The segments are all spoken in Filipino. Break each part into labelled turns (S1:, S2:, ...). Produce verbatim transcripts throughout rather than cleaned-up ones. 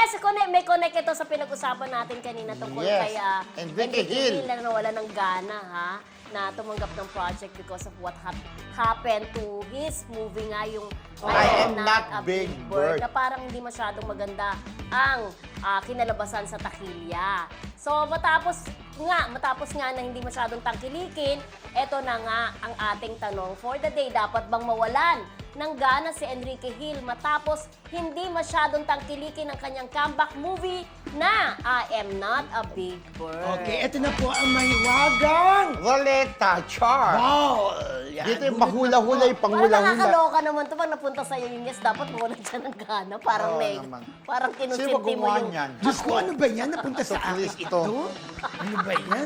S1: Yes, connect, may connect ito sa pinag-usapan natin kanina tungkol
S2: Yes.
S1: kay uh,
S2: Enrique Hill.
S1: na nawala ng gana, ha? Na tumanggap ng project because of what hap- happened to his movie nga, yung
S2: I Am Not Big Bird.
S1: na parang hindi masyadong maganda ang ah, kinalabasan sa takilya. So matapos nga, matapos nga na hindi masyadong tangkilikin, eto na nga ang ating tanong for the day. Dapat bang mawalan ng gana si Enrique Hill matapos hindi masyadong tangkilikin ang kanyang comeback movie na I Am Not a Big Bird?
S3: Okay, ito na po ang mahiwagang.
S2: Roleta, char.
S3: Wow! Yan,
S2: Dito yung
S3: gulat
S2: mahula-hula,
S3: na
S2: yung
S1: Parang
S2: panghula-hula.
S1: nakakaloka naman to pag napunta sa'yo yung yes, dapat mawalan siya ng gana. Parang
S2: Oo
S1: may,
S2: naman.
S1: parang
S2: Sino
S1: kinusinti mo
S2: gumawa
S1: yung...
S2: niyan?
S3: po. Diyos ko, ano ba yan? Napunta sa akin
S2: Kristo.
S3: ito? Ano ba yan?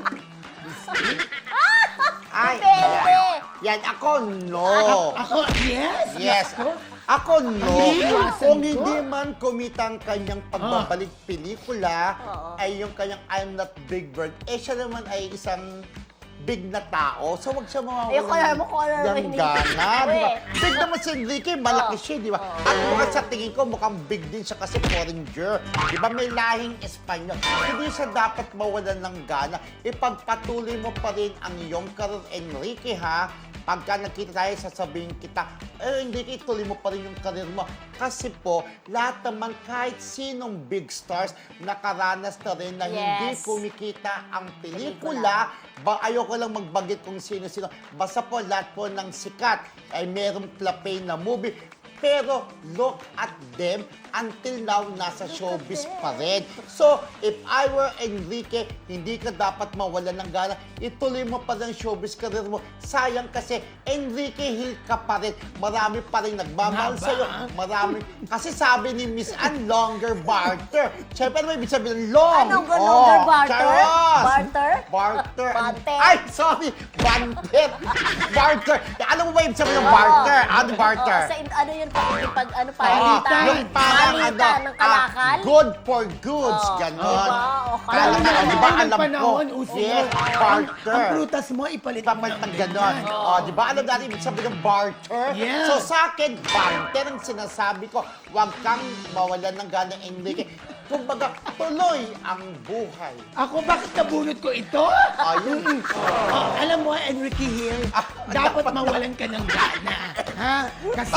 S2: Ay,
S1: Depende.
S2: yan. Yan, ako, no.
S3: Ako, yes!
S2: Yes.
S3: Ako,
S2: Ako, no.
S3: Iniiwasan
S2: Kung
S3: ko.
S2: hindi man kumita ang kanyang pagbabalik pelikula,
S1: Oo.
S2: ay yung kanyang I'm Not Big Bird, eh siya naman ay isang big na tao. So, wag siya mawawalan
S1: Ayoko, alam mo kung ano
S2: ng
S1: naman yun.
S2: gana, di ba?
S1: Uy.
S2: Big naman si Enrique, malaki
S1: Oo.
S2: siya, di ba?
S1: Oo.
S2: At mukhang sa tingin ko, mukhang big din siya kasi foreigner. Di ba, may lahing Espanyol. Hindi siya dapat mawalan ng gana. Ipagpatuloy mo pa rin ang iyong career, Enrique, ha? Pagka nakita tayo, sasabihin kita, eh, hindi ituloy mo pa rin yung karir mo. Kasi po, lahat naman, kahit sinong big stars, nakaranas na rin na hindi
S1: Yes.
S2: kumikita ang pelikula. Ba, ayoko lang magbagit kung sino-sino. Basta po, lahat po ng sikat ay merong plapay na movie. Pero look at them, until now, nasa showbiz pa rin. So, if I were Enrique, hindi ka dapat mawala ng gana. Ituloy mo pa rin ang showbiz career mo. Sayang kasi, Enrique Hill ka pa rin. Marami pa rin nagmamahal
S3: Nga ba?
S2: sa'yo. Marami. Kasi sabi ni Miss Ann, longer barter. Siyempre, ano may ibig sabihin? Long.
S1: Anong longer barter?
S2: charos.
S1: Barter?
S2: Barter.
S1: Banter?
S2: Ay, sorry. Banter. Barter. Alam mo ba ibig sabihin ng barter? Ano barter?
S1: Oo, sa, ano yun, pag, pag ano,
S2: Oo,
S1: palitan.
S2: yung parang ano,
S1: Palitan ng kalakal.
S2: ah, good for goods,
S1: Oo,
S2: ganon.
S1: diba? O,
S2: Kaya
S3: Alam
S2: nga,
S3: mo,
S2: di ba,
S3: noong
S2: alam ko,
S3: panahon, uso
S2: yes,
S3: yun. Ang,
S2: barter.
S3: ang prutas mo, ipalit mo
S2: Papalit
S3: ng
S2: ng ganon.
S3: ganyan.
S2: Oh, di ba, alam natin, ibig sabihin ng barter?
S3: Yeah.
S2: So sa akin, barter ang sinasabi ko, huwag kang mawalan ng gana, Enrique. Kumbaga, tuloy ang buhay.
S3: Ako, bakit nabunot ko ito?
S2: Ayun.
S3: Oh, alam mo, Enrique Hill,
S2: Ah,
S3: dapat mawalan ka ng gana. Ha? Kasi,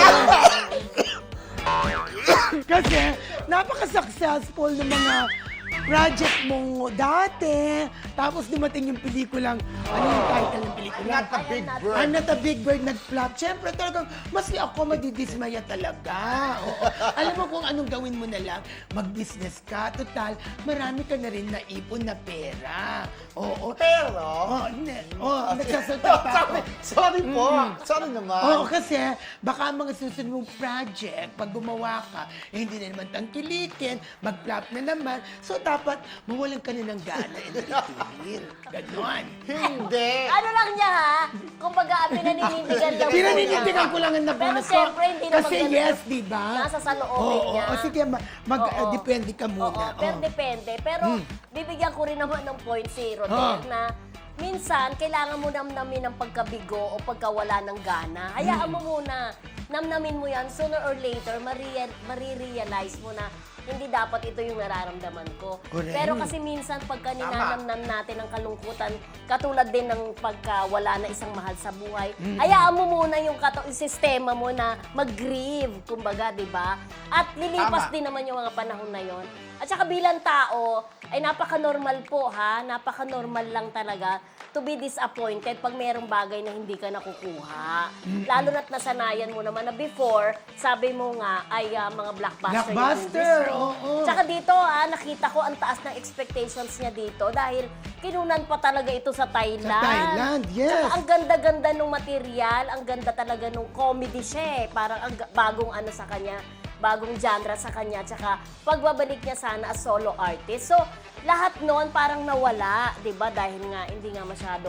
S3: kasi napaka-successful ng mga project mo dati. Tapos dumating yung pelikulang, ano yung title ng pelikula?
S2: Not a big bird.
S3: I'm not a big bird, not flop. Siyempre, talagang, mas ako madidismaya talaga. Oo. Alam mo kung anong gawin mo na lang, mag-business ka. Total, marami ka na rin naipon na pera. Oo.
S2: Pero,
S3: Oh, ne, oh, nagsasalta pa ako.
S2: sorry, sorry po. Sorry naman.
S3: Oo, kasi baka ang mga susunod mong project, pag gumawa ka, eh, hindi na naman tangkilikin, mag-flop na naman. So, dapat mawalan ka na ng gana. Enrique. Ganon.
S2: Hindi.
S1: Ano lang niya, ha? Kumbaga, pinaninindigan lang.
S3: Pinaninindigan ko lang ang
S1: Pero
S3: nabunot ko.
S1: siyempre, hindi naman
S3: Kasi
S1: ganun.
S3: yes, di ba?
S1: Nasa saloobin
S3: Oo,
S1: niya.
S3: oo. Sige, ma- mag,
S1: Oo.
S3: uh, depende ka muna.
S1: Oo, pero
S3: Oo.
S1: depende. Pero bibigyan ko rin naman ng point si Rodel
S3: Ah.
S1: na minsan, kailangan mo namnamin ang pagkabigo o pagkawala ng gana. Hayaan mo muna. Namnamin mo yan. Sooner or later, maria- marirealize mo na hindi dapat ito yung nararamdaman ko.
S3: Correct.
S1: Pero kasi minsan, pagka ninanamnam natin ang kalungkutan, katulad din ng pagkawala na isang mahal sa buhay, hayaan mo muna yung, kato- yung sistema mo na mag-grieve, kumbaga, di ba? At lilipas
S2: Tama.
S1: din naman yung mga panahon na yon. At saka bilang tao, ay napaka-normal po ha, napaka-normal lang talaga to be disappointed pag mayroong bagay na hindi ka nakukuha. Lalo na't nasanayan mo naman na before, sabi mo nga ay ah, mga blockbuster,
S3: Blockbuster,
S1: yung movies mo.
S3: oo.
S1: Tsaka dito ah, nakita ko ang taas ng expectations niya dito dahil kinunan pa talaga ito sa Thailand.
S3: Sa Thailand, yes.
S1: Tsaka ang ganda-ganda ng material, ang ganda talaga ng comedy siya eh. Parang ang ga- bagong ano sa kanya, bagong genre sa kanya, tsaka pagbabalik niya sana as solo artist. So, lahat noon parang nawala, di ba? Dahil nga, hindi nga masyadong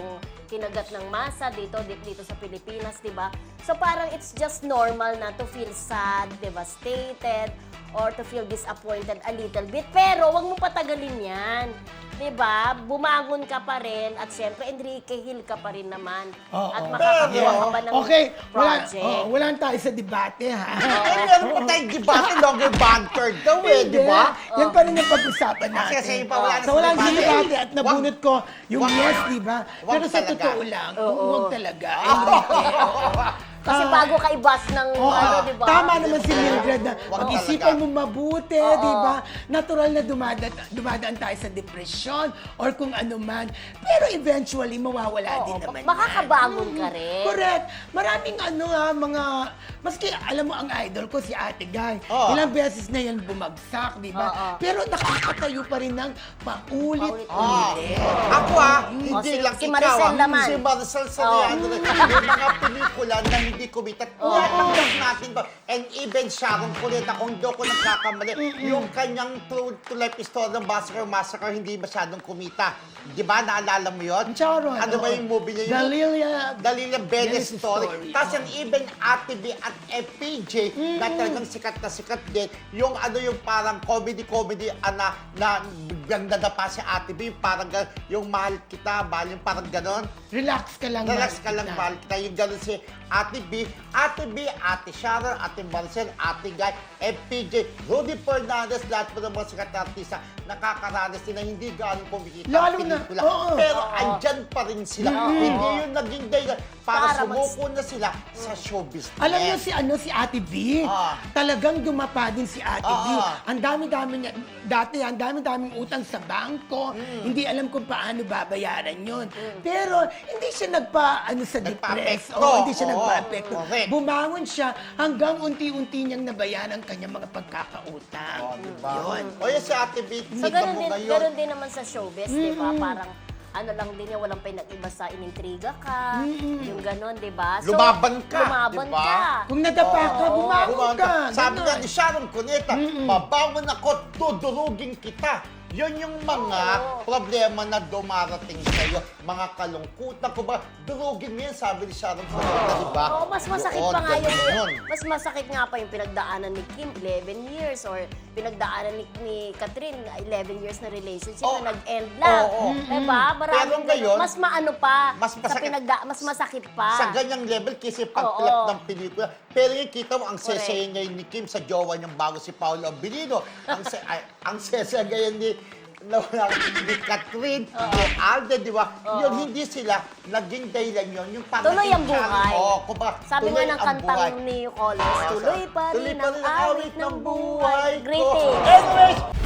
S1: kinagat ng masa dito dito, dito sa Pilipinas, 'di ba? So parang it's just normal na to feel sad, devastated, or to feel disappointed a little bit. Pero wag mo patagalin 'yan. 'Di ba? Bumangon ka pa rin at syempre Enrique Hill ka pa rin naman.
S3: Oo.
S1: At makakagawa ka pa ng
S3: Okay, wala,
S1: project.
S3: oh, wala tayo sa debate, ha?
S2: Eh, meron pa tayong debate, longer banter daw eh, di ba?
S3: Yan pa rin yung pag-usapan natin.
S2: Kasi pa wala na
S3: So, wala
S2: sa
S3: sa
S2: debate.
S3: debate at nabunot ko yung
S2: Wag-
S3: yes, di ba?
S2: wag
S3: Pero sa
S2: talaga.
S3: totoo lang,
S1: Oo.
S3: huwag talaga. Enrique, oo.
S1: Kasi
S3: Ah,
S1: bago ka ibas ng
S3: Oo,
S1: ano, 'di ba?
S3: tama naman si Mildred na
S2: Wag
S3: pag-isipan
S2: talaga.
S3: mo mabuti,
S1: Oo.
S3: di ba? Natural na dumadaan, dumadaan tayo sa depression or kung ano man. Pero eventually, mawawala
S1: Oo,
S3: din naman
S1: makakabangon
S3: yan.
S1: ka rin.
S3: Correct. Maraming ano ha, mga... Maski, alam mo, ang idol ko, si Ate Guy.
S2: Oo.
S3: Ilang beses na yan bumagsak, di ba?
S1: Oo.
S3: Pero nakakatayo pa rin ng paulit-ulit.
S2: Ah, ako ah,
S1: O,
S2: hindi
S1: si-
S2: lang
S1: si
S2: ikaw
S1: Maricel
S2: ah.
S1: naman.
S2: Si Maricel Soriano rin. May mga pelikula na hindi kumita. Natanggap natin to. And even Sharon Cuneta, kung do ko nagkakamali, yung kanyang true to life story ng Massacre Massacre hindi masyadong kumita. Di ba? Naalala mo yun?
S3: Sharon,
S2: Ano ba
S3: oo.
S2: yung movie niya? Yung-
S3: Dalilia.
S2: Dalilia Benes
S3: Benes
S2: story.
S3: story.
S2: Tapos yung even Ate B at F P J na talagang sikat na sikat din. Yung ano yung parang comedy-comedy ana, na biglang nadapa si Ate B. Parang gan- yung mahal kita, mahal yung parang ganon.
S3: Relax ka lang.
S2: Relax
S3: Mark.
S2: ka lang, mahal kita. Yung ganon si Ate B. Ate B, Ate Sharon, Ate Marcel, Ate Guy, F P J, Rudy Fernandez, lahat po ng mga sikat na artista nakakaranas din na hindi gaano kumikita ang
S3: Lalo na,
S2: pelikula.
S3: oo.
S2: Pero
S1: Oo.
S2: andyan pa rin sila.
S1: Oo.
S2: Hindi yun naging dahilan para,
S1: Para mag-
S2: sumuko na sila sa show business.
S3: Alam niyo si ano si Ate B,
S2: Ah.
S3: talagang dumapa din si Ate B.
S2: Ah.
S3: Ang dami-dami niya, dati ang dami-daming utang sa bangko.
S2: Hmm.
S3: Hindi alam kung paano babayaran 'yon. Pero hindi siya nagpa ano sa depress.
S2: Nagpa-apekto.
S3: Oo, hindi siya
S2: Oo.
S3: nagpa-apekto.
S2: Correct.
S3: Bumangon siya hanggang unti-unti niyang nabayaran ang kanyang mga pagkakautang.
S2: Oh, diba?
S3: Yun.
S2: O yan si Ate B,
S1: So,
S2: kita
S1: ganun
S2: mo
S1: din,
S2: ngayon.
S1: ganun din naman sa showbiz, di ba? Parang, ano lang din yan, walang pinag-iba sa inintriga ka, yung ganun, di ba? So,
S2: Lumaban ka,
S1: Lumaban
S2: di ba?
S1: ka.
S3: Kung nadapa ka,
S1: Oo.
S3: bumangon
S2: Bumangon
S3: ka.
S2: ka. Sabi
S3: Ganon.
S2: nga ni Sharon Cuneta, mabangon ako, dudurugin kita. Yun yung mga
S1: Oo.
S2: problema na dumarating sa'yo. Mga kalungkutan ko ba? Durugin mo yan, sabi ni Sharon Cuneta, di ba?
S1: Oo, mas masakit
S2: Doon,
S1: pa nga yung,
S2: ganun yun.
S1: mas masakit nga pa yung pinagdaanan ni Kim, eleven years, or pinagdaanan ni, ni Catherine, eleven years na relationship
S2: Oo.
S1: na nag-end lang.
S2: Oo.
S1: Diba? Maraming
S2: Pero ngayon,
S1: ganun. Mas maano pa,
S2: mas
S1: sa
S2: masakit.
S1: pinagda, mas masakit pa.
S2: Sa ganyang level kasi
S1: Oo.
S2: pag-flip ng pelikula. Pero yung kita mo, ang
S1: Correct.
S2: sesaya ngayon ni Kim sa jowa niyang bago si Paolo Abilino. Ang, se ay, ang sesaya ngayon ni nawala ni Catherine, ni Alden, di ba? Yun, hindi sila naging dahilan yun. Yung parang
S1: Tuloy ang
S2: naging challenge.
S1: buhay.
S2: Oo, kumbaga,
S1: Sabi
S2: tuloy
S1: nga ng
S2: ang
S1: kantang
S2: buhay.
S1: ni Colors, tuloy pa
S2: Tuloy
S1: rin
S2: pa
S1: ang
S2: rin ang
S1: awit ng buhay.
S2: ko.
S1: Greetings!
S2: Anyways,